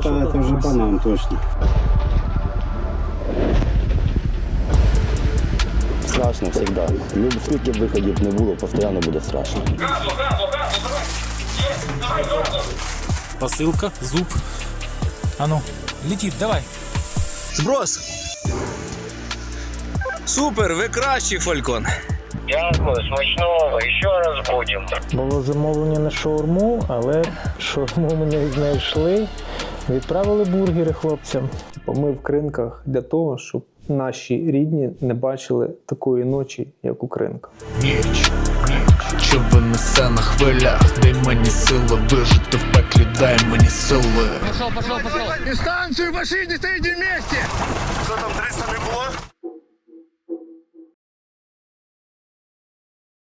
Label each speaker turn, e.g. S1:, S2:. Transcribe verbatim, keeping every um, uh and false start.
S1: это, это уже банан точно.
S2: Страшно завжди. Люб, скільки виходів не було, постійно буде страшно.
S3: Газу, газу, газу, давай! Є, давай, газу!
S4: Посылка, зуб. А ну, летит, давай.
S5: Зброс! Супер, ви кращий, Фалькон.
S3: Дякую, смачного, ще раз будемо.
S6: Було замовлення на шаурму, але шаурму ми не знайшли. Відправили бургери хлопцям. Ми в Кринках для того, щоб наші рідні не бачили такої ночі, як у Кринках.
S7: Ніч, ніч, човен несе на хвилях, дай мені сили вижити в пеклі, дай мені сили.
S3: Пошел, пошел, пошел. Дистанцию, машине, стоите вместе! Что там, триста не было?